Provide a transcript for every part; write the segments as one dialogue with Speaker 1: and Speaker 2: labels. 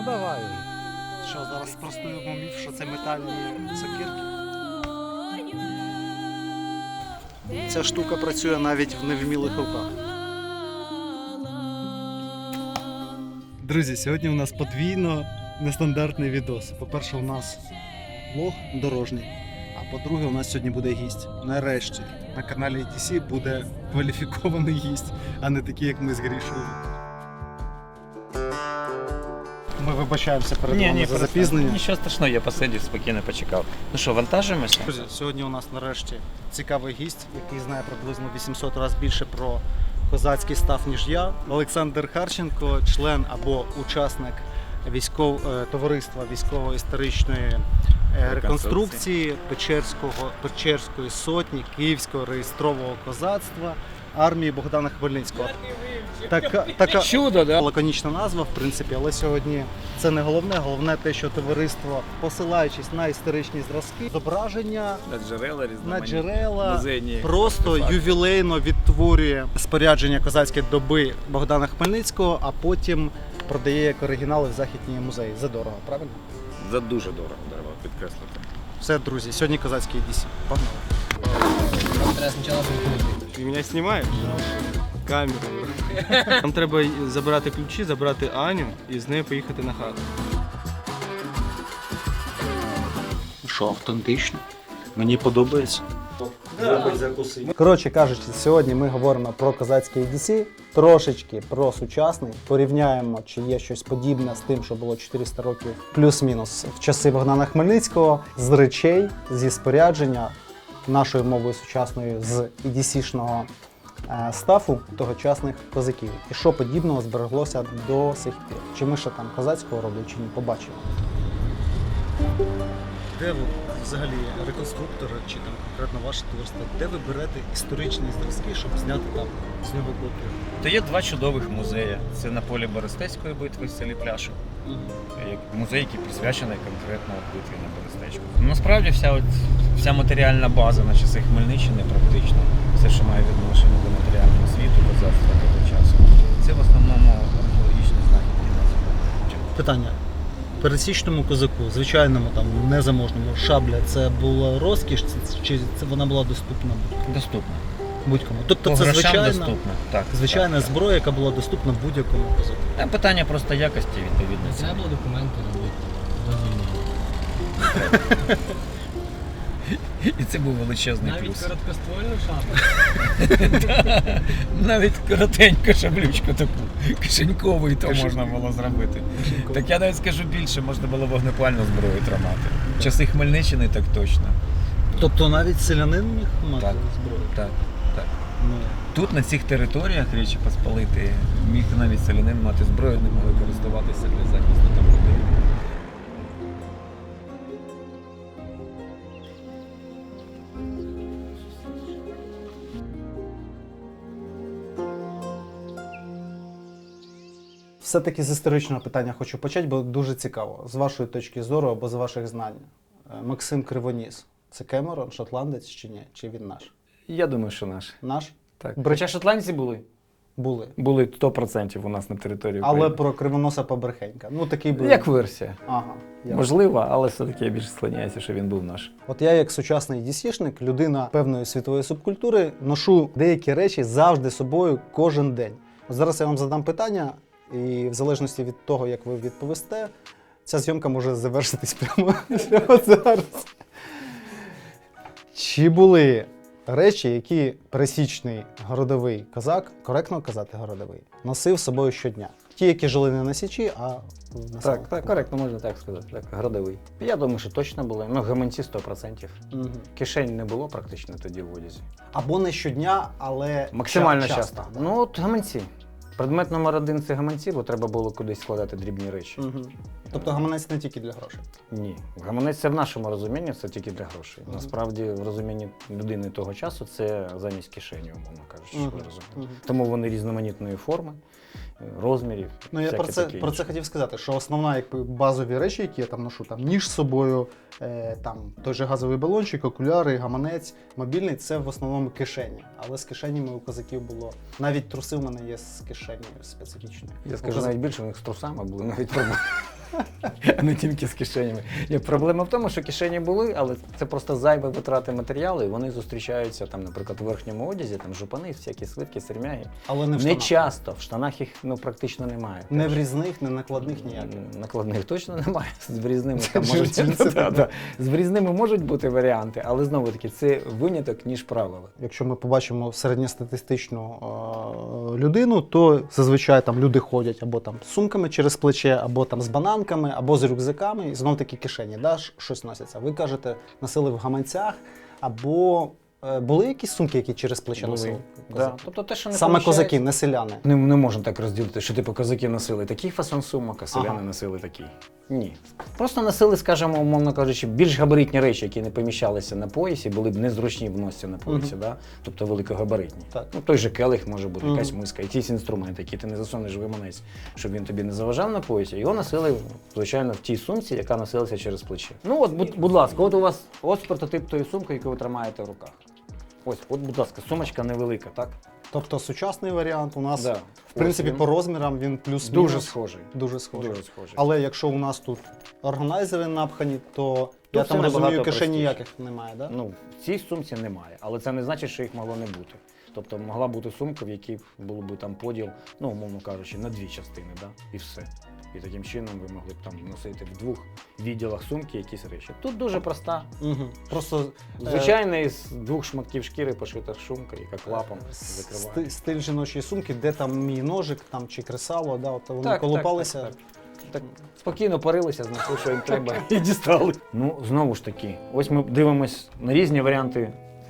Speaker 1: Ну давай.
Speaker 2: Що, зараз спростуємо міф, що це метальні сокирки? Ця штука працює навіть в невмілих руках. Друзі, сьогодні у нас подвійно нестандартний відос. По-перше, у нас влог дорожній, а по-друге, у нас сьогодні буде гість. Нарешті на каналі ETC буде кваліфікований гість, а не такий, як ми з Грішою. Ми вибачаємося перед вами за запізнення.
Speaker 1: Нічого страшного, я посидів, спокійно почекав. Ну що, вантажимося?
Speaker 2: Друзі, сьогодні у нас нарешті цікавий гість, який знає приблизно 800 разів більше про козацький став, ніж я. Олександр Харченко, член або учасник товариства військово-історичної реконструкції Печерської сотні Київського реєстрового козацтва армії Богдана Хмельницького. Така
Speaker 1: Чудо, да?
Speaker 2: лаконічна назва, в принципі, але сьогодні це не головне. Головне те, що товариство, посилаючись на історичні зразки, зображення на джерела
Speaker 1: музейні
Speaker 2: просто
Speaker 1: артефакти.
Speaker 2: Ювілейно відтворює спорядження козацької доби Богдана Хмельницького, а потім продає як оригінали в західні музеї. Задорого, правильно?
Speaker 1: За дуже дорого, треба підкреслити.
Speaker 2: Все, друзі, сьогодні козацький ETC. Погнали.
Speaker 3: Ти мене знімаєш? Камеру. Нам треба забрати ключі, забрати Аню і з нею поїхати на хату.
Speaker 2: Що, автентично? Мені подобається. Коротше кажучи, сьогодні ми говоримо про козацький ETC, трошечки про сучасний, порівняємо, чи є щось подібне з тим, що було 400 років плюс-мінус в часи Богдана Хмельницького, з речей, зі спорядження, нашою мовою сучасною, з ETC-шного стафу тогочасних козаків. І що подібного збереглося до сих пір. Чи ми ще там козацького роблять, чи ні, побачимо. Де ви взагалі реконструктори, чи там конкретно ваше товариство, де ви берете історичні зразки, щоб зняти там з нього копію?
Speaker 1: То є два чудових музеї. Це на полі Берестецької битви в селі Пляшов. Музей, який присвячений конкретно битві на Берестечку. Насправді вся матеріальна база на часи Хмельниччини практично, все, що має відношення до матеріального світу, козацтва того часу. Це в основному археологічні знахідки.
Speaker 2: Питання. Пересічному козаку, звичайному там незаможному, шабля, це була розкіш, чи це вона була доступна
Speaker 1: Доступно.
Speaker 2: будь-кому? Тобто
Speaker 1: По
Speaker 2: це
Speaker 1: грошам доступно. Так,
Speaker 2: звичайна
Speaker 1: так,
Speaker 2: зброя, яка була доступна будь-якому козаку.
Speaker 1: так. Питання просто якості, відповідно.
Speaker 4: Треба було документи робити до війни.
Speaker 1: І це був величезний
Speaker 4: Навіть
Speaker 1: плюс.
Speaker 4: короткоствольну шапку.
Speaker 1: Навіть коротеньку шаблючку таку, кишенькову, і то можна було зробити. Так я навіть скажу більше, можна було вогнепальну зброю тримати. В часи Хмельниччини так точно.
Speaker 2: Тобто навіть селянин міг мати
Speaker 1: Так.
Speaker 2: зброю?
Speaker 1: Так, так.
Speaker 2: Ну,
Speaker 1: Тут, на цих територіях Речі Посполитої, міг навіть селянин мати зброю, не могли користуватися для захисту там людей.
Speaker 2: все-таки з історичного питання хочу почати, бо дуже цікаво. З вашої точки зору або з ваших знань. Максим Кривоніс – це Кемерон, шотландець чи ні? Чи він наш?
Speaker 5: Я думаю, що наш.
Speaker 2: Наш?
Speaker 5: Так.
Speaker 2: Брит-
Speaker 5: Хоча шотландці були.
Speaker 2: Були.
Speaker 5: Були 100% у нас на території
Speaker 2: Але
Speaker 5: України.
Speaker 2: про Кривоноса Побрехенька. Ну, такий був.
Speaker 5: Як версія.
Speaker 2: Ага. ясно.
Speaker 5: Можливо, але все-таки я більше склоняюся, що він був наш.
Speaker 2: От я, як сучасний дісішник, людина певної світової субкультури, ношу деякі речі завжди з собою кожен день. От зараз я вам задам питання, і в залежності від того, як ви відповісте, ця зйомка може завершитись прямо зараз. Чи були речі, які пересічний городовий козак, коректно казати городовий, носив з собою щодня? Ті, які жили не на Січі, а на селах.
Speaker 5: Так, коректно, можна так сказати. Так, городовий. Я думаю, що точно були. Ну, гаманці 100%.
Speaker 2: Мгм.
Speaker 5: Кишень не було практично тоді в одязі.
Speaker 2: Або не щодня, але
Speaker 5: Максимально
Speaker 2: часто.
Speaker 5: часто. Ну, от гаманці. Предмет номер 1 – це гаманці, бо треба було кудись складати дрібні речі.
Speaker 2: Мгм. Тобто гаманець не тільки для грошей.
Speaker 5: Ні. Гаманець це в нашому розумінні, це тільки для грошей. Насправді, в розумінні людини того часу це замість кишені, умовно кажучи, щоб ви розуміли. Тому вони різноманітної форми, розмірів.
Speaker 2: Ну я
Speaker 5: всяке
Speaker 2: про це,
Speaker 5: таке
Speaker 2: про
Speaker 5: інше.
Speaker 2: це хотів сказати, що основна якби базові речі, які я там ношу, там ніж з собою, там той же газовий балончик, окуляри, гаманець, мобільний, це в основному кишені. Але з кишенями у козаків було. Навіть труси в мене є з кишенею специфічною.
Speaker 5: Я скажу навіть більше, у них з трусами були навіть проблеми. а не тільки з кишенями. Ні, проблема в тому, що кишені були, але це просто зайві витрати матеріалу, і вони зустрічаються, там, наприклад, у верхньому одязі, там жупани, всякі свитки, сермяги.
Speaker 2: Але не в
Speaker 5: Не
Speaker 2: штанах.
Speaker 5: часто, в штанах їх практично немає.
Speaker 2: Не в різних, не накладних ніяких.
Speaker 5: Накладних точно немає. З врізними там
Speaker 2: Це
Speaker 5: можуть
Speaker 2: джинси,
Speaker 5: Да. З врізними можуть бути варіанти, але знову таки це виняток, ніж правило.
Speaker 2: Якщо ми побачимо середньостатистичну людину, то зазвичай там люди ходять або там з сумками через плече, або там з бананками, або з рюкзаками, і знов таки кишені, да, щось носяться. Ви кажете, носили в гаманцях, або були якісь сумки, які через плече носили?
Speaker 5: Да.
Speaker 2: Козаки?
Speaker 5: Тобто те, що не
Speaker 2: Саме
Speaker 5: поміщається.
Speaker 2: козаки, не селяни.
Speaker 5: Не можна так розділити, що типу козаки носили такий фасон сумок, а селяни носили такий. Ні. Просто носили, скажімо, умовно кажучи, більш габаритні речі, які не поміщалися на поясі, були б незручні в носі на поясі, да? Тобто великогабаритні.
Speaker 2: Так.
Speaker 5: Ну, той же келих може бути, якась миска, якийсь інструмент, який ти не засунеш в гаманець, щоб він тобі не заважав на поясі. Його носили, звичайно, в тій сумці, яка носилася через плече. Ну от, будь ласка, от у вас ось прототип тої сумки, яку ви тримаєте в руках. Ось, от, будь ласка, сумочка невелика, так?
Speaker 2: Тобто сучасний варіант у нас,
Speaker 5: Да.
Speaker 2: в принципі,
Speaker 5: Ось він.
Speaker 2: по розмірам він плюс-мінус.
Speaker 5: Дуже схожий.
Speaker 2: Дуже схожий.
Speaker 5: Дуже схожий.
Speaker 2: Але якщо у нас тут органайзери напхані, то я
Speaker 5: все
Speaker 2: там розумію,
Speaker 5: набагато
Speaker 2: кишень
Speaker 5: простіше.
Speaker 2: ніяких немає, да?
Speaker 5: Ну, в цій сумці немає, але це не значить, що їх могло не бути. Тобто могла бути сумка, в якій було б там поділ, ну, умовно кажучи, на дві частини, да? І все. І таким чином ви могли б там носити в двох відділах сумки якісь речі. Тут дуже проста,
Speaker 2: Угу. Просто
Speaker 5: звичайна із двох шматків шкіри пошита шумка, яка клапом закриває.
Speaker 2: стиль жіночої сумки, де там мій ножик там, чи кресало, да, от вони колупалися.
Speaker 5: Так, спокійно парилися, знайшли, що їм треба, і дістали. Ну, знову ж таки, ось ми дивимось на різні варіанти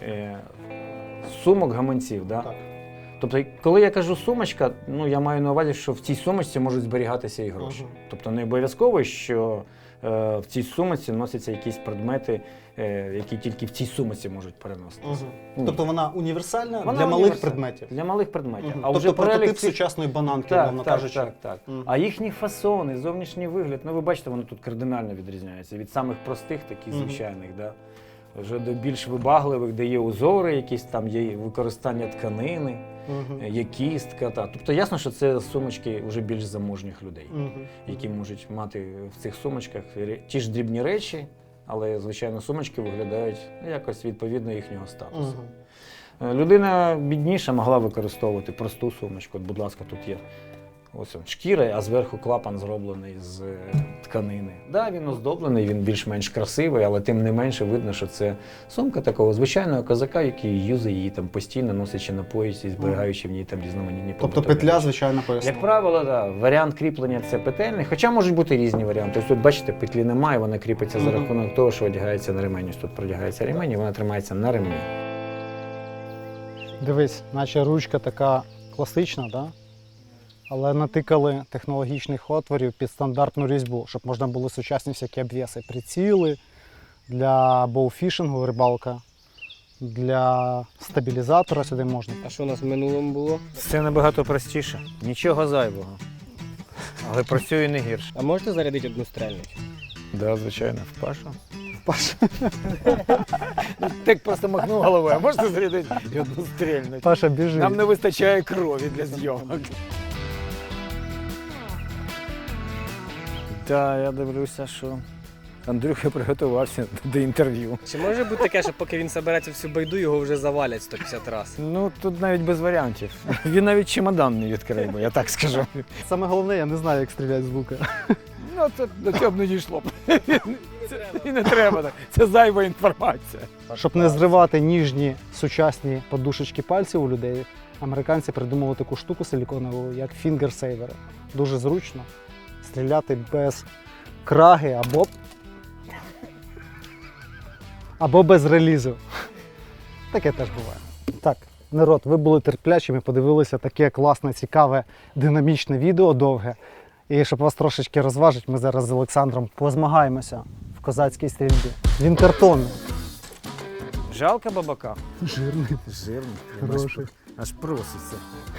Speaker 5: сумок, гаманців. Да?
Speaker 2: Так.
Speaker 5: Тобто, коли я кажу сумочка, ну я маю на увазі, що в цій сумочці можуть зберігатися і гроші.
Speaker 2: Ага.
Speaker 5: Тобто не обов'язково, що в цій сумочці носяться якісь предмети, які тільки в цій сумочці можуть переноситися.
Speaker 2: Угу. Тобто вона універсальна
Speaker 5: Вона
Speaker 2: для малих
Speaker 5: універсальна.
Speaker 2: предметів.
Speaker 5: Для малих предметів.
Speaker 2: Угу.
Speaker 5: А
Speaker 2: Тобто
Speaker 5: вже
Speaker 2: прототип
Speaker 5: перелік цих-
Speaker 2: сучасної бананки,
Speaker 5: Так,
Speaker 2: мовно
Speaker 5: так,
Speaker 2: кажучи.
Speaker 5: так.
Speaker 2: Мгм.
Speaker 5: А їхні фасони, зовнішній вигляд, ну ви бачите, вони тут кардинально відрізняються. Від самих простих, таких
Speaker 2: Мгм.
Speaker 5: звичайних, да? Вже до більш вибагливих, де є узори, якісь там є використання тканини,
Speaker 2: Мгм.
Speaker 5: є кістка. Та. Тобто ясно, що це сумочки вже більш заможних людей,
Speaker 2: Мгм.
Speaker 5: які можуть мати в цих сумочках ті ж дрібні речі, але, звичайно, сумочки виглядають якось відповідно їхнього статусу.
Speaker 2: Мгм.
Speaker 5: Людина бідніша могла використовувати просту сумочку. От, будь ласка, тут є ось шкіра, а зверху клапан зроблений з тканини. Да, він оздоблений, він більш-менш красивий, але тим не менше видно, що це сумка такого звичайного козака, який юзає її там постійно, носячи на поясі, зберігаючи в ній там різноманітні
Speaker 2: Тобто
Speaker 5: побутові
Speaker 2: петля,
Speaker 5: речі.
Speaker 2: звичайно, поясна.
Speaker 5: Як правило, да, варіант кріплення це петельний, хоча можуть бути різні варіанти. Ось тут, бачите, петлі немає, вона кріпиться за
Speaker 2: Мгм.
Speaker 5: рахунок того, що одягається на ремень. Ось тут продягається ремень, і вона тримається на ремні.
Speaker 2: Дивись, наче ручка така класична, да? Але натикали технологічних отворів під стандартну різьбу, щоб можна було сучасні всякі обвіси, приціли для боуфішингу, рибалка, для стабілізатора сюди можна.
Speaker 6: А що у нас в минулому було?
Speaker 5: Це набагато простіше. Нічого зайвого. Але працює не гірше.
Speaker 6: А можете зарядити одну стрельницю?
Speaker 5: Так, звичайно, в Пашу.
Speaker 2: Паша,
Speaker 5: Так просто махнув головою, а можете зарядити і одну стрільну?
Speaker 2: Паша біжить.
Speaker 5: Нам не вистачає крові для зйомок. Так, я дивлюся, що Андрюха приготувався до інтерв'ю.
Speaker 6: Чи може бути таке, що поки він собереться всю байду, його вже завалять 150 разів?
Speaker 5: Ну, тут навіть без варіантів. Він навіть чемодан не відкрив, бо я так скажу.
Speaker 2: Саме головне, я не знаю, як стріляти з лука.
Speaker 5: Ну, це до цього б не дійшло б. І не треба так. Це зайва інформація.
Speaker 2: Щоб не зривати ніжні сучасні подушечки пальців у людей, американці придумали таку штуку силіконову, як фінгерсейвери. Дуже зручно стріляти без краги або без релізу. Таке теж буває. Так, народ, ви були терплячими, подивилися таке класне, цікаве, динамічне відео довге. І щоб вас трошечки розважити, ми зараз з Олександром позмагаємося в козацькій стрільбі. Він картонний.
Speaker 5: Жалко бабака?
Speaker 2: Жирний.
Speaker 5: Жирний.
Speaker 2: Хороший.
Speaker 5: Аж проситься.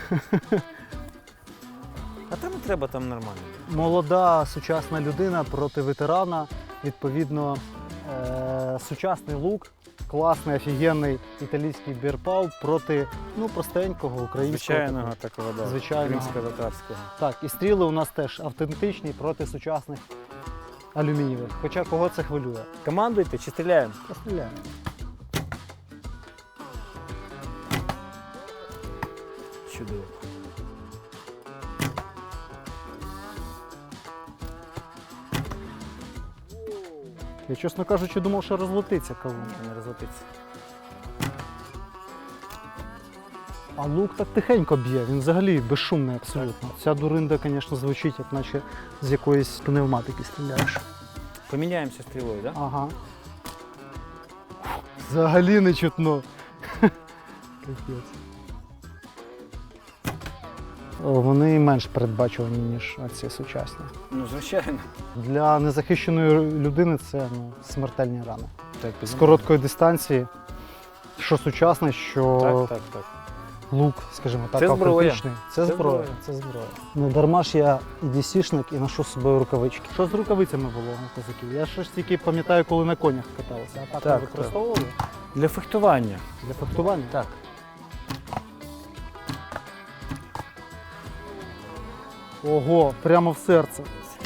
Speaker 5: А там і треба, там нормально.
Speaker 2: Молода сучасна людина проти ветерана. Відповідно, сучасний лук, класний, офігенний італійський бірпау проти простенького українського.
Speaker 5: Звичайного такого, да.
Speaker 2: Звичайного.
Speaker 5: Кримсько-татарського.
Speaker 2: Так, і стріли у нас теж автентичні проти сучасних алюмінієвих. Хоча кого це хвилює?
Speaker 6: Командуйте чи стріляємо?
Speaker 2: Постріляємо.
Speaker 6: Чудово.
Speaker 2: Я, чесно кажучи, думав, що розлетиться кавун.
Speaker 6: Не розлетиться.
Speaker 2: А лук так тихенько б'є, він взагалі безшумний абсолютно. Ця дуринда, звісно, звучить, як наче з якоїсь пневматики стріляєш.
Speaker 6: Поміняємося стрілою, так? Да?
Speaker 2: Ага. Взагалі не чутно. Капець. О, вони менш передбачувані, ніж ці сучасні.
Speaker 6: Ну, звичайно.
Speaker 2: Для незахищеної людини це смертельні рани.
Speaker 6: Так,
Speaker 2: З короткої дистанції, що сучасний, що
Speaker 6: так.
Speaker 2: лук, скажімо так,
Speaker 6: Це зброя.
Speaker 2: автентичний. Це зброя. Це зброя. Не дарма ж я і DC-шник і ношу з собою рукавички. Що з рукавицями було у козаків? Я ж тільки пам'ятаю, коли на конях каталися. А так
Speaker 6: Так,
Speaker 2: ви використовували
Speaker 6: Для фехтування.
Speaker 2: для фехтування?
Speaker 6: Так.
Speaker 2: Ого, прямо в серце.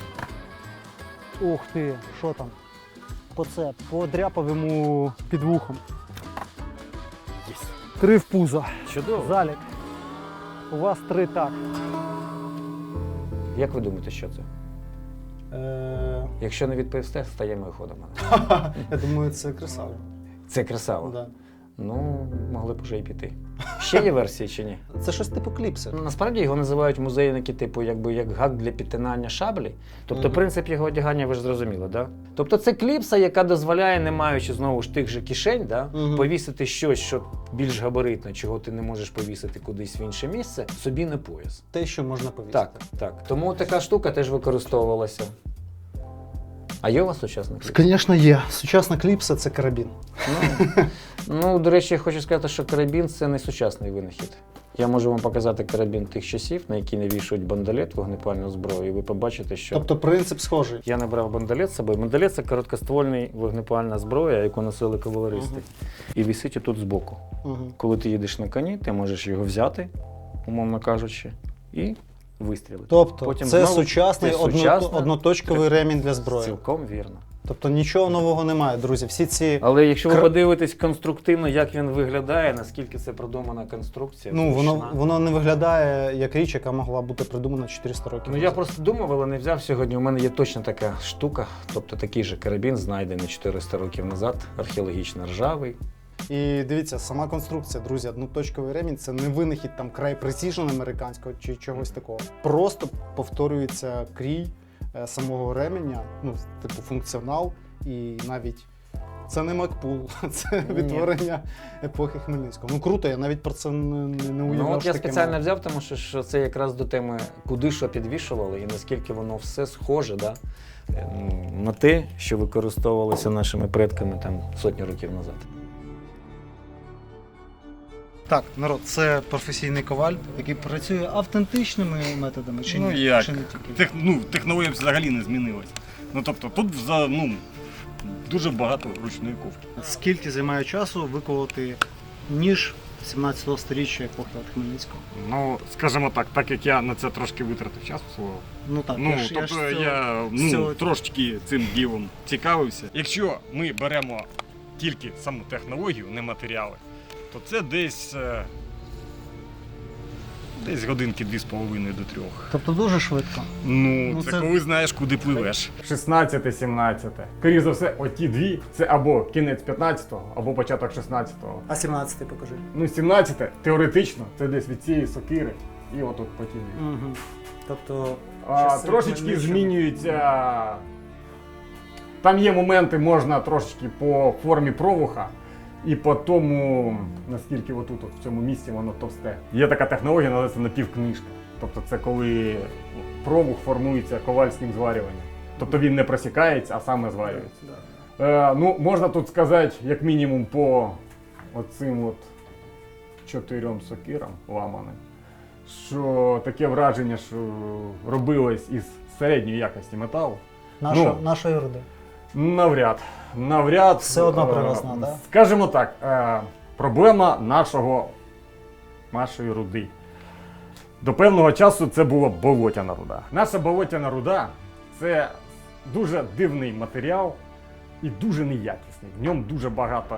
Speaker 2: Ух ти, що там? Подряпав йому під вухом. 3 в пузо.
Speaker 6: Чудово.
Speaker 2: Залік. У вас 3 так.
Speaker 5: Як ви думаєте, що це? Якщо не відповісте, стаємо і ходимо.
Speaker 2: Я думаю, це красава.
Speaker 5: Це красаво.
Speaker 2: Да.
Speaker 5: Ну, могли б уже і піти. Ще є версії чи ні?
Speaker 2: Це щось типу кліпси.
Speaker 5: Ну, насправді його називають музейники, типу, якби як гак для підтинання шаблі. Тобто
Speaker 2: Мгм.
Speaker 5: принцип його одягання ви ж зрозуміли, да? Тобто це кліпса, яка дозволяє, не маючи знову ж тих же кишень, да,
Speaker 2: Мгм.
Speaker 5: повісити щось, що більш габаритно, чого ти не можеш повісити кудись в інше місце, собі на пояс.
Speaker 2: Те, що можна повісити.
Speaker 5: Так, так. Тому така штука теж використовувалася. А є у вас сучасна кліпса?
Speaker 2: Звісно, є. Сучасна кліпса це карабін.
Speaker 5: Ну, до речі, я хочу сказати, що карабін – це не сучасний винахід. Я можу вам показати карабін тих часів, на який навішують бандолет, вогнепальну зброю, і ви побачите, що...
Speaker 2: Тобто принцип схожий.
Speaker 5: Я не брав бандолет з собою. Бандолет – це короткоствольний вогнепальна зброя, яку носили кавалеристи. І висить отут збоку.
Speaker 2: Угу.
Speaker 5: Коли ти їдеш на коні, ти можеш його взяти, умовно кажучи, і вистрілити.
Speaker 2: Тобто
Speaker 5: Потім
Speaker 2: це
Speaker 5: знову-
Speaker 2: сучасний
Speaker 5: це сучасна-
Speaker 2: одноточковий ремінь для зброї.
Speaker 5: Цілком вірно.
Speaker 2: Тобто нічого нового немає, друзі. Всі ці
Speaker 5: Але якщо ви
Speaker 2: Кр-
Speaker 5: подивитесь конструктивно, як він виглядає, наскільки це продумана конструкція,
Speaker 2: ну
Speaker 5: зручна.
Speaker 2: воно не виглядає як річ, яка могла бути придумана 400 років.
Speaker 5: Ну я просто думав, але не взяв сьогодні. У мене є точно така штука, тобто такий же карабін, знайдений 400 років назад, археологічно ржавий.
Speaker 2: І дивіться, сама конструкція, друзі, одноточковий ремінь це не винахід там край Precision американського чи чогось такого. Просто повторюється крій самого ременя, ну, типу функціонал, і навіть це не Макпул, це
Speaker 5: Ні.
Speaker 2: відтворення епохи Хмельницького. Ну круто, я навіть про це не уявляв.
Speaker 5: Ну от
Speaker 2: що
Speaker 5: я
Speaker 2: таке
Speaker 5: спеціально
Speaker 2: має.
Speaker 5: взяв, тому що це якраз до теми, куди що підвішували і наскільки воно все схоже, да, на те, що використовувалося нашими предками там сотні років назад.
Speaker 2: Так, народ, це професійний коваль, який працює автентичними методами, чи
Speaker 7: Ну
Speaker 2: ні?
Speaker 7: як?
Speaker 2: Чи не тільки?
Speaker 7: Технологія взагалі не змінилась. Ну тобто тут дуже багато ручної ковки.
Speaker 2: Скільки займає часу виковувати ніж 17-го сторіччя епохи от Хмельницького?
Speaker 7: Ну, скажімо так як я на це трошки витратив часу свого.
Speaker 2: Ну так,
Speaker 7: Ну,
Speaker 2: я ж
Speaker 7: тобто
Speaker 2: цього-
Speaker 7: я
Speaker 2: цього-
Speaker 7: трошечки цим ділом цікавився. Якщо ми беремо тільки саму технологію, не матеріали, то це десь годинки 2,5 до 3.
Speaker 2: Тобто дуже швидко.
Speaker 7: Ну,
Speaker 2: це-
Speaker 7: це коли знаєш, куди пливеш.
Speaker 8: 16-17. Скоріше за все, оті дві це або кінець 15-го, або початок 16-го.
Speaker 2: А 17-й покажи.
Speaker 8: Ну, 17-те теоретично це десь від цієї сокири і отут по ті дві.
Speaker 2: Угу. Тобто
Speaker 8: Трошечки
Speaker 2: Хмельниччини.
Speaker 8: змінюються. Там є моменти, можна трошечки по формі провуха і по тому, наскільки отут в цьому місці воно товсте. Є така технологія, називається напівкнижка. Тобто це коли провух формується ковальським зварюванням. Тобто він не просікається, а саме зварюється. Ну, можна тут сказати, як мінімум, по оцим от 4 сокирам ламаним, що таке враження, що робилось із середньої якості металу.
Speaker 2: Нашої руди.
Speaker 8: Навряд.
Speaker 2: Все одно привозна, да?
Speaker 8: Скажімо так, проблема нашої руди. До певного часу це була болотяна руда. Наша болотяна руда – це дуже дивний матеріал і дуже неякісний. В ньому дуже багато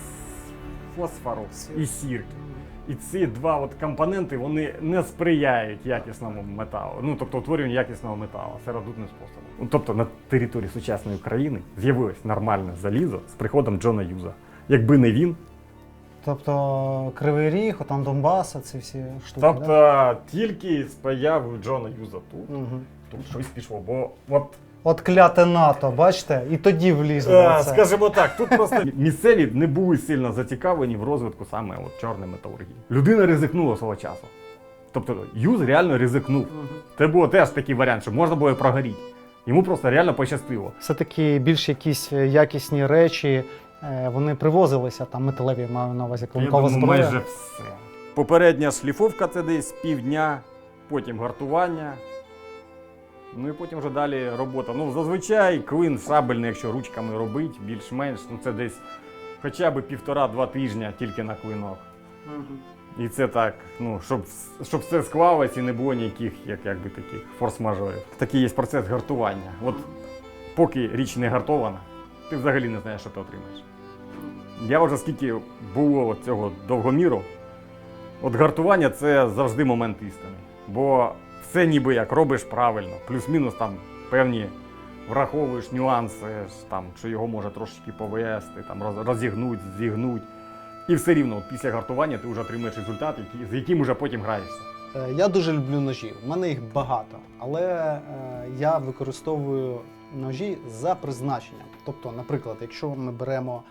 Speaker 8: фосфору і сірки. І ці два от компоненти вони не сприяють якісному металу, ну тобто утворюванню якісного металу сиродутним способом. Ну, тобто на території сучасної України з'явилось нормальне залізо з приходом Джона Юза. Якби не він,
Speaker 2: Тобто Кривий Ріг, там Донбас, ці всі штуки.
Speaker 8: тобто
Speaker 2: Да?
Speaker 8: тільки з появою Джона Юза тут щось пішло. Бо от
Speaker 2: От кляте НАТО, бачите, і тоді влізло. це.
Speaker 8: скажімо так, тут просто місцеві не були сильно зацікавлені в розвитку саме от чорної металургії. Людина ризикнула свого часу. Тобто Юз реально ризикнув. Це був теж такий варіант, що можна було і прогоріти. Йому просто реально пощастило.
Speaker 2: Все-таки більш якісь якісні речі, вони привозилися, там металеві, маю на увазі, клинкова зброя.
Speaker 8: майже все. Попередня шліфовка це десь півдня, потім гартування. Ну і потім вже далі робота. Ну, зазвичай клин шабельний, якщо ручками робить, більш-менш, ну це десь хоча б 1,5-2 тижня тільки на клинок. І це так, ну, щоб все склалось і не було ніяких, якби таких форс-мажорів. Такий є процес гартування. От поки річ не гартована, ти взагалі не знаєш, що ти отримаєш. Я вже скільки було от цього довгоміру, от гартування це завжди момент істини. Бо все ніби як робиш правильно, плюс-мінус там певні враховуєш нюанси, там, що його може трошечки повести, там, розігнуть, зігнуть. І все рівно от після гартування ти вже отримуєш результат, з яким вже потім граєшся.
Speaker 2: Я дуже люблю ножі, в мене їх багато, але я використовую ножі за призначенням. Тобто, наприклад, якщо ми беремо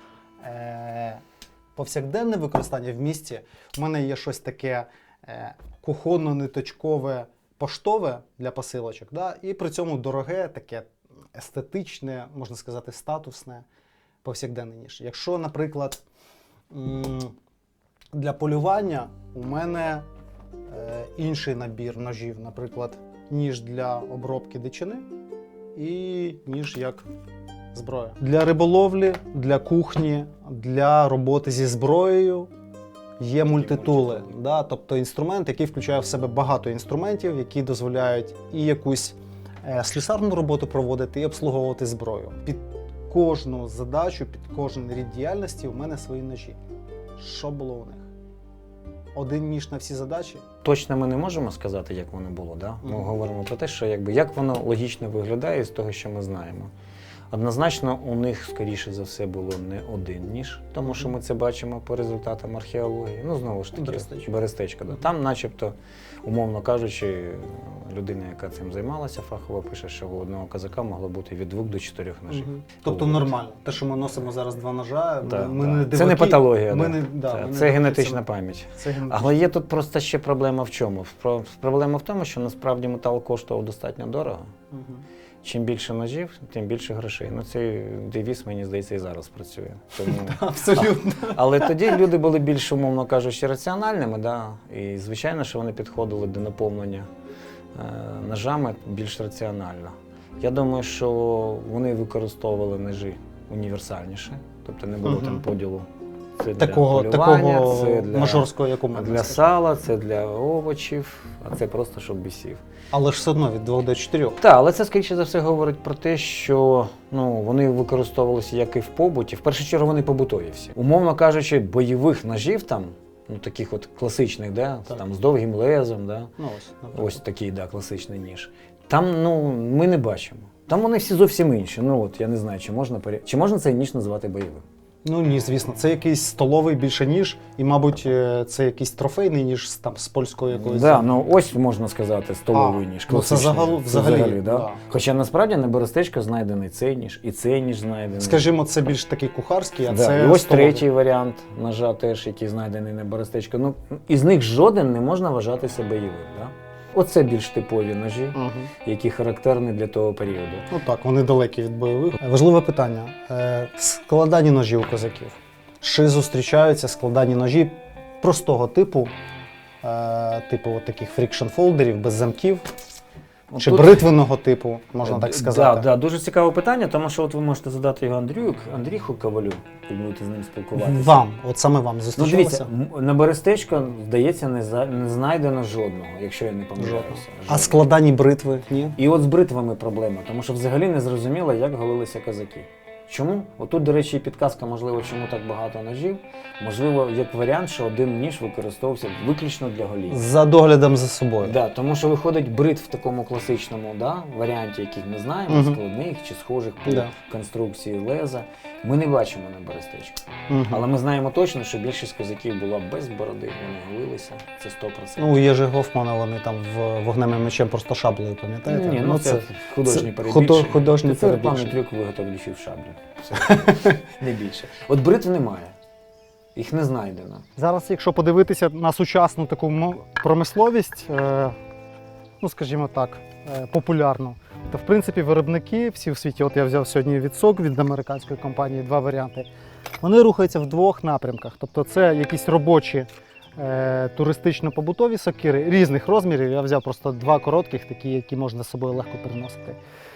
Speaker 2: повсякденне використання в місті, в мене є щось таке кухонно-ниточкове, поштове для посилочок, да? І при цьому дороге, таке естетичне, можна сказати, статусне, повсякденний ніж. Якщо, наприклад, для полювання у мене інший набір ножів, наприклад, ніж для обробки дичини і ніж як зброя. Для риболовлі, для кухні, для роботи зі зброєю є мультитули. Да? Тобто інструмент, який включає в себе багато інструментів, які дозволяють і якусь слюсарну роботу проводити, і обслуговувати зброю. Під кожну задачу, під кожен рід діяльності у мене свої ножі. Що було у них? Один ніж на всі задачі?
Speaker 5: Точно ми не можемо сказати, як воно було. Да? Ми говоримо про те, що як воно логічно виглядає з того, що ми знаємо. Однозначно, у них, скоріше за все, було не один ніж, тому що ми це бачимо по результатам археології. Ну, знову ж таки, Берестечко. Да. Там, начебто, умовно кажучи, людина, яка цим займалася фахово, пише, що у одного козака могло бути від 2 до 4 ножів.
Speaker 2: Тобто нормально. Те, що ми носимо зараз 2 ножа, ми не диваки.
Speaker 5: Це не патологія,
Speaker 2: це
Speaker 5: генетична пам'ять. Але є тут просто ще проблема в чому? Проблема в тому, що насправді метал коштував достатньо дорого. Чим більше ножів, тим більше грошей. Ну, цей девіз, мені здається, і зараз працює. Тому...
Speaker 2: Абсолютно.
Speaker 5: Але тоді люди були більш, умовно кажучи, раціональними, да? І звичайно, що вони підходили до наповнення ножами більш раціонально. Я думаю, що вони використовували ножі універсальніше, тобто не було там поділу. Це для полювання, це для
Speaker 2: мажорського, як у мене.
Speaker 5: Для сала, це для овочів, а це просто щоб бісів.
Speaker 2: Але ж все одно від 2 до 4.
Speaker 5: Так, але це, скоріше за все, говорить про те, що вони використовувалися як і в побуті. В першу чергу вони побутові всі. Умовно кажучи, бойових ножів там, таких от класичних, да? Там з довгим лезом, да? Ось такий, да, класичний ніж. Там, ми не бачимо. Там вони всі зовсім інші. Я не знаю, чи можна цей ніж називати бойовим.
Speaker 2: Ну ні, звісно, це якийсь столовий більше ніж, і, мабуть, це якийсь трофейний ніж там з польської якоїсь.
Speaker 5: Так, ось можна сказати, столовий ніж.
Speaker 2: Це взагалі.
Speaker 5: Да? Хоча насправді на Берестечко знайдений цей ніж, і цей ніж знайдений.
Speaker 2: Скажімо, це більш такий кухарський, а
Speaker 5: да.
Speaker 2: це
Speaker 5: І ось
Speaker 2: столовий.
Speaker 5: третій варіант ножа теж, який знайдений на Берестечко. Із них жоден не можна вважатися бойовим. Да? Оце більш типові ножі, які характерні для того періоду.
Speaker 2: Ну так, вони далекі від бойових. Важливе питання. Складані ножі у козаків. Чи зустрічаються складані ножі простого типу, типу таких фрікшн-фолдерів, без замків, Чи
Speaker 5: Тут-
Speaker 2: бритвеного типу, можна так сказати?
Speaker 5: Так, дуже цікаве питання, тому що от ви можете задати його Андріху Ковалю, і будете з ним спілкуватися.
Speaker 2: Вам, от саме вам
Speaker 5: Ну,
Speaker 2: зустрічалося?
Speaker 5: дивіться, на Берестечко, здається, не знайдено жодного, якщо я не помиляюся.
Speaker 2: А
Speaker 5: Жодного.
Speaker 2: складані бритви? Ні?
Speaker 5: І от з бритвами проблема, тому що взагалі не зрозуміло, як голилися козаки. Чому? Отут, до речі, і підказка, можливо, чому так багато ножів. Можливо, як варіант, що один ніж використовувався виключно для гоління.
Speaker 2: За доглядом за собою.
Speaker 5: Да, тому що виходить бритв в такому класичному варіанті, яких ми знаємо,
Speaker 2: Мгм.
Speaker 5: складних чи схожих по
Speaker 2: Да.
Speaker 5: конструкції леза. Ми не бачимо на Берестечку.
Speaker 2: Мгм.
Speaker 5: Але ми знаємо точно, що більшість козаків була без бороди, вони голилися, це 100%.
Speaker 2: Ну, у Єжи Гофмана вони там вогневим мечем просто шаблею, пам'ятаєте?
Speaker 5: Ні, ну це художні
Speaker 2: це
Speaker 5: перебільшення.
Speaker 2: художні
Speaker 5: Це рекламний
Speaker 2: перебільшення.
Speaker 5: трюк виготовлюючи в шаблю. Все. Не більше. От бритв немає. Їх не знайдено.
Speaker 2: Зараз, якщо подивитися на сучасну таку промисловість, ну скажімо так, популярну, то в принципі виробники всі в світі, от я взяв сьогодні від СОК, від американської компанії, два варіанти, вони рухаються в двох напрямках. Тобто це якісь робочі туристично-побутові сокири різних розмірів. Я взяв просто два коротких, такі, які можна з собою легко переносити.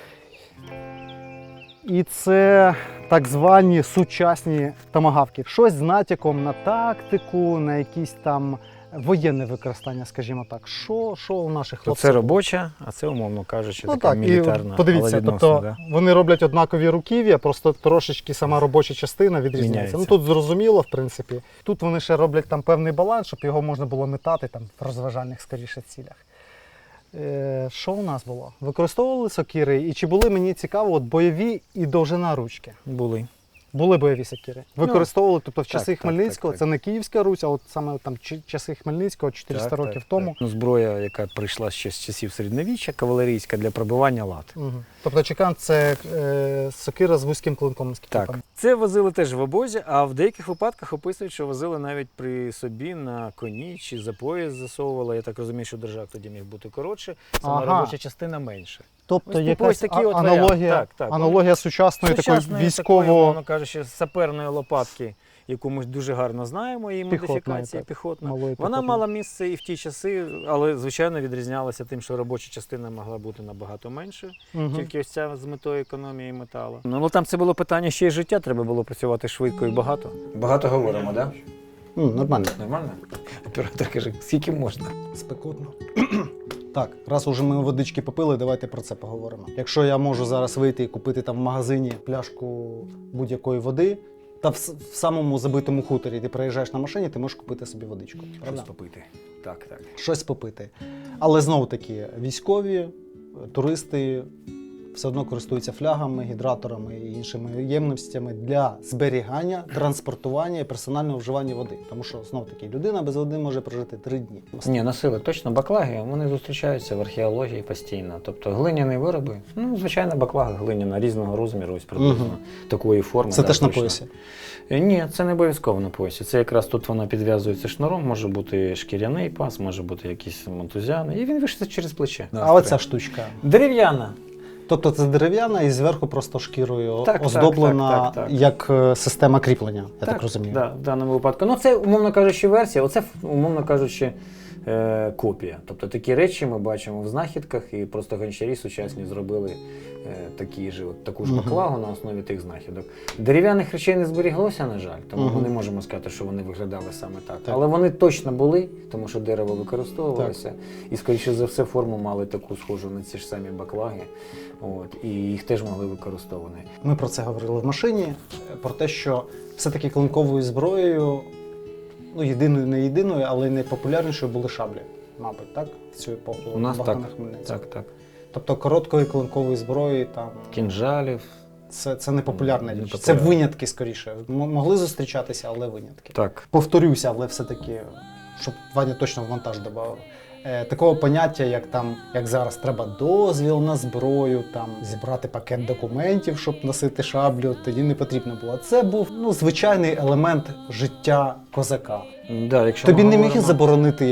Speaker 2: І це так звані сучасні томагавки. Щось з натяком на тактику, на якісь там воєнне використання, скажімо так. Що у наших
Speaker 5: То
Speaker 2: хлопців?
Speaker 5: це робоча, а це, умовно кажучи,
Speaker 2: Ну
Speaker 5: така
Speaker 2: так, і
Speaker 5: мілітарна.
Speaker 2: подивіться,
Speaker 5: але відносно,
Speaker 2: тобто
Speaker 5: да?
Speaker 2: вони роблять однакові руків'я, просто трошечки сама робоча частина відрізняється.
Speaker 5: Міняється.
Speaker 2: Ну тут зрозуміло, в принципі. Тут вони ще роблять там певний баланс, щоб його можна було метати там в розважальних скоріше цілях. Що у нас було? Використовували сокири, і чи були, мені цікаво, от бойові і довжина ручки?
Speaker 5: Були.
Speaker 2: Були бойові сокири. Використовували, тобто в часи
Speaker 5: так,
Speaker 2: Хмельницького,
Speaker 5: так.
Speaker 2: це не Київська Русь, а от саме там часи Хмельницького, 400 років тому.
Speaker 5: Ну, зброя, яка прийшла ще з часів середньовіччя, кавалерійська для пробивання лад.
Speaker 2: Угу. Тобто чекан це сокира з вузьким клинком, наскільки я
Speaker 5: Так,
Speaker 2: пам'ятаю.
Speaker 5: це возили теж в обозі, а в деяких випадках описують, що возили навіть при собі на коні чи за пояс засовували. Я так розумію, що держак тоді міг бути коротше, сама
Speaker 2: Ага.
Speaker 5: робоча частина менша.
Speaker 2: Тобто
Speaker 5: Ось типу
Speaker 2: якась
Speaker 5: ось такий от
Speaker 2: аналогія,
Speaker 5: варіант. Так, так.
Speaker 2: аналогія сучасної такої
Speaker 5: Такої,
Speaker 2: військово...
Speaker 5: мовно кажучи, саперної лопатки, яку ми дуже гарно знаємо, її
Speaker 2: Піхотної,
Speaker 5: модифікація
Speaker 2: так.
Speaker 5: піхотна.
Speaker 2: малої
Speaker 5: Вона
Speaker 2: піхотної.
Speaker 5: мала місце і в ті часи, але, звичайно, відрізнялася тим, що робоча частина могла бути набагато меншою.
Speaker 2: Мгм.
Speaker 5: Тільки ось ця з метою економії металу. Ну, але там це було питання ще й життя, треба було працювати швидко і багато. Багато говоримо, так?
Speaker 2: Нормально.
Speaker 5: Нормально? Оператор каже, скільки можна?
Speaker 2: Спекотно. Так, раз уже ми водички попили, давайте про це поговоримо. Якщо я можу зараз вийти і купити там в магазині пляшку будь-якої води, та в самому забитому хуторі ти приїжджаєш на машині, ти можеш купити собі водичку. Правда?
Speaker 5: Щось попити. Так, так.
Speaker 2: Щось попити. Але знову таки, військові, туристи все одно користуються флягами, гідраторами і іншими ємностями для зберігання, транспортування і персонального вживання води. Тому що, знову таки, людина без води може прожити 3 дні.
Speaker 5: Ні, носили точно баклаги, вони зустрічаються в археології постійно. Тобто глиняні вироби, ну, звичайно, баклага глиняна різного розміру, ось приблизно такої форми.
Speaker 2: Це
Speaker 5: да,
Speaker 2: теж на
Speaker 5: точно.
Speaker 2: поясі.
Speaker 5: Ні, це не обов'язково на поясі. Це якраз тут вона підв'язується шнуром, може бути шкіряний пас, може бути якийсь мотузяний, і він вишиться через плече.
Speaker 2: А оця штучка.
Speaker 5: Дерев'яна.
Speaker 2: Тобто це дерев'яна і зверху просто шкірою
Speaker 5: Так,
Speaker 2: оздоблена
Speaker 5: так.
Speaker 2: як система кріплення, я так розумію.
Speaker 5: Да, в даному випадку. Ну, це, умовно кажучи, версія, оце, умовно кажучи, копія. Тобто такі речі ми бачимо в знахідках, і просто гончарі сучасні зробили таку ж баклагу на основі тих знахідок. Дерев'яних речей не зберіглося, на жаль, тому ми не можемо сказати, що вони виглядали саме так. Але вони точно були, тому що дерево використовувалося, і, скоріше за все, форму мали таку схожу на ці ж самі баклаги. От, і їх теж могли використовувати.
Speaker 2: Ми про це говорили в машині, про те, що все-таки клинковою зброєю, ну єдиною, не єдиною, але найпопулярнішою були шаблі, мабуть, так? В цю епоху
Speaker 5: У нас
Speaker 2: Богдана
Speaker 5: так.
Speaker 2: Хмельницького.
Speaker 5: Так.
Speaker 2: Тобто короткої клинкової зброї там
Speaker 5: Кінжалів.
Speaker 2: це не популярна річ.
Speaker 5: Не
Speaker 2: Це
Speaker 5: популярна.
Speaker 2: винятки скоріше. Могли зустрічатися, але винятки.
Speaker 5: Так.
Speaker 2: Повторюся, але все-таки, щоб Ваня точно в монтаж додав. Такого поняття, як зараз треба дозвіл на зброю, там зібрати пакет документів, щоб носити шаблю, тоді не потрібно було. Це був звичайний елемент життя козака.
Speaker 5: Да, якщо
Speaker 2: Тобі
Speaker 5: ми
Speaker 2: не міг
Speaker 5: говоримо
Speaker 2: заборонити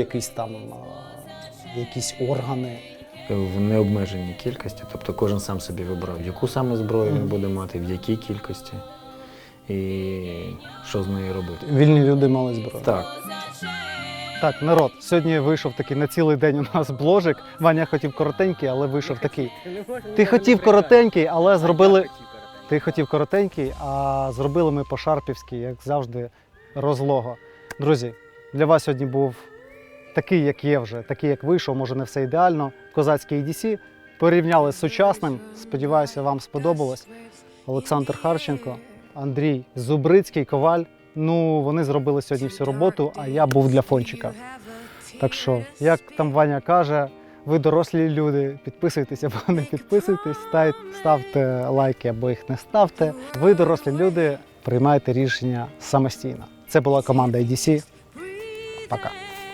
Speaker 2: якісь органи.
Speaker 5: в необмеженій кількості, тобто кожен сам собі вибрав, яку саме зброю він буде мати, в якій кількості і що з нею робити.
Speaker 2: Вільні люди мали зброю.
Speaker 5: Так.
Speaker 2: Так, народ, сьогодні вийшов такий на цілий день у нас бложик. Ваня хотів коротенький, але вийшов такий. Ти хотів коротенький, але зробили. Ти хотів коротенький, а зробили ми по-шарпівськи, як завжди, розлого. Друзі, для вас сьогодні був такий, як є вже, такий, як вийшов, може не все ідеально. Козацький EDC. Порівняли з сучасним. Сподіваюся, вам сподобалось. Олександр Харченко, Андрій Зубрицький, Коваль. Ну, вони зробили сьогодні всю роботу, а я був для фончика. Так що, як там Ваня каже, ви дорослі люди, підписуйтесь або не підписуйтесь, ставте лайки або їх не ставте. Ви дорослі люди, приймайте рішення самостійно. Це була команда EDC. Пока.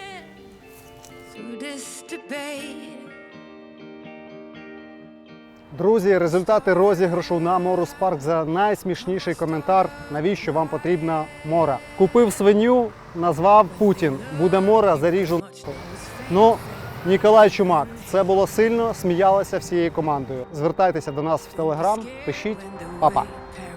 Speaker 2: Друзі, результати розіграшу на Морус Парк за найсмішніший коментар. Навіщо вам потрібна мора? Купив свиню, назвав Путін. Буде мора, заріжу. Ну, Ніколай Чумак. Це було сильно, сміялися всією командою. Звертайтеся до нас в Телеграм, пишіть. Па-па.